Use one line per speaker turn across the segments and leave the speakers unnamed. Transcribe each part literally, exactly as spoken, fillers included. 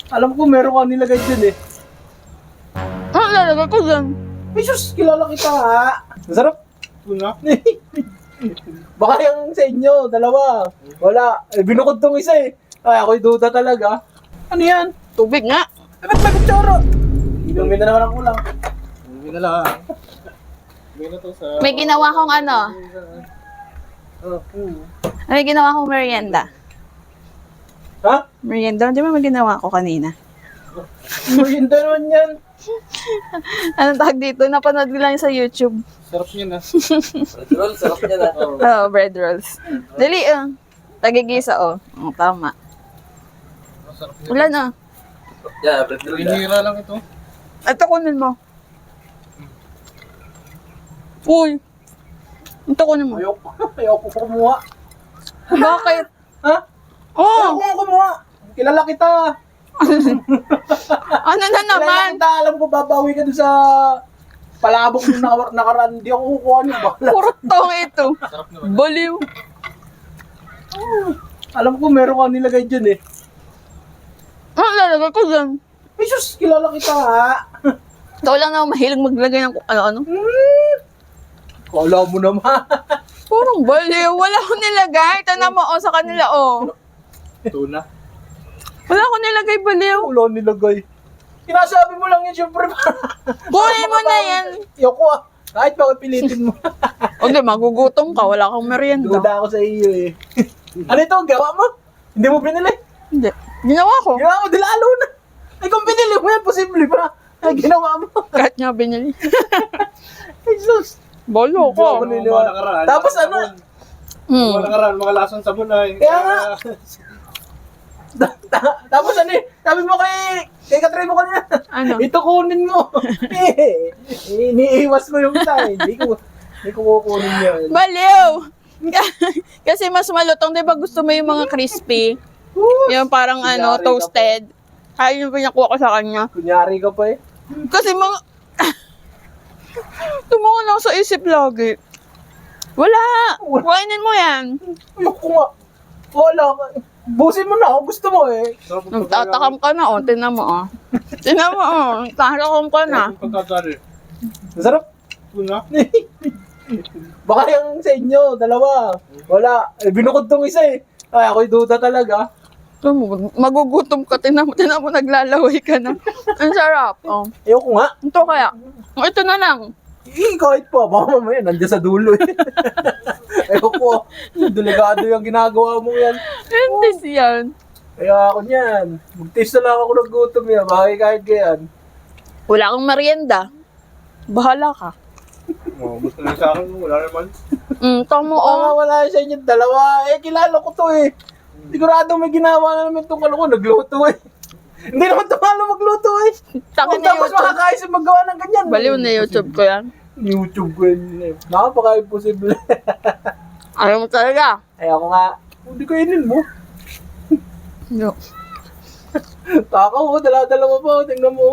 Alam ko meron ka nilagay dyan eh.
Ano lalagay ko dyan?
Ay, sus, kilala kita nga. Masarap.
Tuna?
Baka yung sa inyo, dalawa. Wala. Eh, binukod tong isa eh. Ay, ako'y duda talaga. Ano yan?
Tubig nga.
Eh, ba't may kutsara? Inumin na naman ang kulang.
Hindi na lang. Hindi na to sa...
May ginawa kong ano.
Oh, hmm.
May ginawa kong merienda.
Ha?
Merienda, di ba may ginawa ko kanina?
Merienda naman yan.
Anong tawag dito? Napanood ko lang sa YouTube.
Sarap niya na.
Roll, sarap niya na.
Oo.
Oh, bread rolls. Dali, uh. Tagigisa, oh. Oh, tama.
Sarap niya.
Wala na.
Yeah, bread roll.
Hinihira lang ito.
Ito, kunin mo. Uy. Ito, kunin mo.
Ayoko. Ayoko ko kumuha.
Bakit?
Ha?
Oh,
Ayoko ko kumuha. Kilala kita.
ano na
Kilala
naman?
kita. Alam ko babawi ka dun sa palabok nung nakar- nakaraan. Hindi ako kukuha niyo. Bakla.
Puro tong ito.
Sarap naman.
Baliw.
Alam ko meron ka nilagay dyan eh.
Ano lalagay ko dyan?
Ay, sus, kilala kita nga.
Ikaw lang na mahilig maglagay ng kung ano-ano.
Hmm. Kala mo naman.
Purong baliw. Wala ko nilagay. Tana mo, oh, sa kanila, oh.
Tuna?
Wala ko nilagay, baliw.
Wala nilagay. Sinasabi mo lang yun, syempre.
Kunin mo na yan.
Yoko ah. Kahit bakit pilitin mo.
Okay, magugutom ka. Wala kang merienda.
Duda ako sa iyo eh. Ano ito? Gawa mo? Hindi mo binili?
Hindi. Ginawa ko.
Ginawa mo, dilalo na. Ay, kung binili mo yan, posible pa. Ay, ginawa mo.
Kahit nga binili.
Ay, sus.
Bolo
Hindi ako
ko.
naniniwala.
Mga nakaraan.
Tapos
mga
ano?
sabon.
Hmm.
Mga nakaraan, mga lasang sabon ay.
Kaya nga. Tapos ano eh, sabi mo kay, kay Katry mo kanina,
Ano?
ito kunin mo. Eh, iniiwas mo yung tayo. Hindi ko, hindi ko kukunin yan.
Baliw! Kasi mas malutong, di ba gusto mo yung mga crispy? Yung parang ano,
Kunyari ka
toasted. Kaya yung pinakuha ko sa kanya.
Kunyari ka pa eh.
Kasi mga... Tumungo lang sa isip lagi. Wala! Kainin mo yan.
Ayoko nga. Wala ka. Busin mo na ako, gusto mo eh.
Sarap ang
Nagtatakam ka na, oh. Tinan mo, oh. Tinan mo, oh. Nagtatakam ka na.
pagkakari.
Masarap.
Tuna?
Baka yung sa inyo, dalawa. Wala. Eh, binukod tong isa eh. Ay, ako'y duda talaga.
Ito mo, magugutom ka. Tinan mo, tinan mo, naglalaway ka na. Ang sarap, oh.
Ayoko nga.
Ito kaya. Oh, ito na lang.
Eh, kahit pa. Baka mamaya, nandiyan sa dulo eh. Ayoko. Delikado yung ginagawa mo yan.
Hindi yan.
Kaya ako niyan. Mag-taste na lang ako ng gutom yan. Bakit kahit ganyan.
Wala kang merienda. Bahala ka.
Oh, gusto na sa akin, wala naman.
Mm, tamo,
Oo nga,
oh.
wala sa inyo dalawa. Eh, kilala ko to eh. Sigurado may ginawa na naman itong kaloko. Nagluto eh. Hindi naman tumalo magluto eh.
Takin
Kung
na
tapos
YouTube.
makakain sa magawa ng ganyan.
Baliw na YouTube ko yan.
YouTube ko yun eh. Nakapaka-imposible.
Ayaw mo talaga.
Ay ako nga, hindi kainin mo.
No.
Taka mo, dala-dala mo pa. Tingnan mo.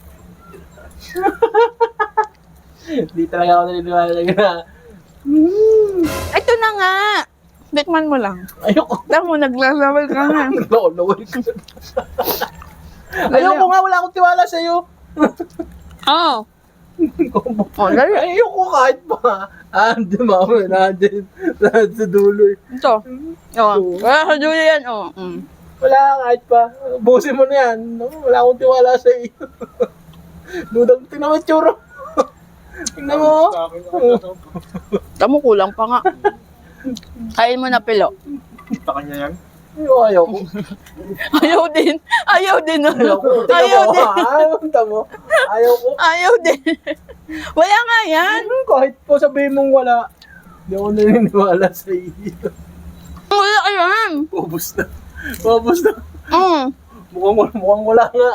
Hindi talaga ako naniniwala na. Hmm.
Ito na nga. Tikman mo lang.
Ayoko.
Tamo, naglalawal ka nga.
Nakulawal ko. Ayoko nga, wala akong tiwala sa'yo.
Oo. Oh, dali.
Ayoko kahit pa. Ah, di ba? Nandun. Nandun sa dulo eh.
Ito. Oo. Wala sa dulo yan, oh. Mm.
Wala kahit pa. Busin mo na yan. No, wala akong tiwala sa iyo. Dudang, tingnan mo yung tsura. Tingnan mo.
Sa akin, ako.
Tamo, kulang pa nga. Kain mo na pilo.
Sa kanya yan.
Ayaw, ayaw ko.
Ayaw din. Ayaw din. oh.
Ayaw ko. Tingnan
Ayaw
mo.
din.
Ah, tingnan mo. Ayaw ko.
Ayaw din. Wala nga yan.
Hmm, kahit po sabihin mong wala. Hindi ako naniniwala sa iyo.
Wala ka yan.
Ubus na. Ubus na.
Mm.
Mukhang, wala- mukhang wala nga.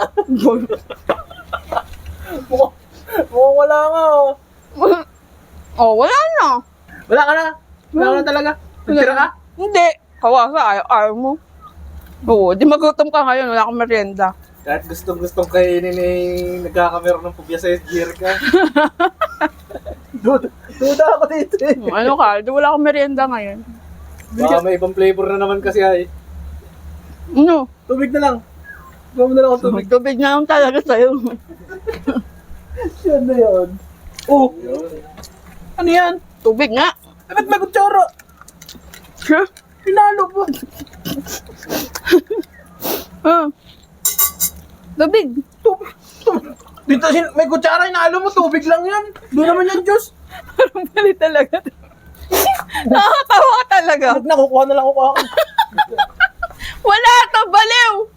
mukhang, mukhang wala nga. oh.
Oh, wala na.
Wala ka na. Wala ka na talaga. Nagtira ka?
Hindi. Kawasa, ayaw, ayaw mo. Oo, di magutom ka ngayon. Wala kang merienda.
Kahit gustong-gustong kainin eh, nagkakamera ng pubya sa gear ka.
Duda, duda ako dito eh.
Hmm, ano ka? Di wala kang merienda ngayon.
Baka may ibang flavor na naman kasi ay.
Ano?
Tubig na lang. Gawin mo na lang ako tubig.
Tubig na lang talaga sa'yo.
Yan na yun. Oh, ano yan?
Tubig nga.
Eh, ba't may kutsara?
Huh?
Pinalo po.
Ah. Tubig.
Tubig. Tubig. Dito, sin- may kutsara, inalo mo, tubig lang yan. Doon naman yan, Diyos.
Parang mali talaga. Nakakatawa ka talaga.
Huwag na, kukuha na lang ako ako.
Wala to, baliw!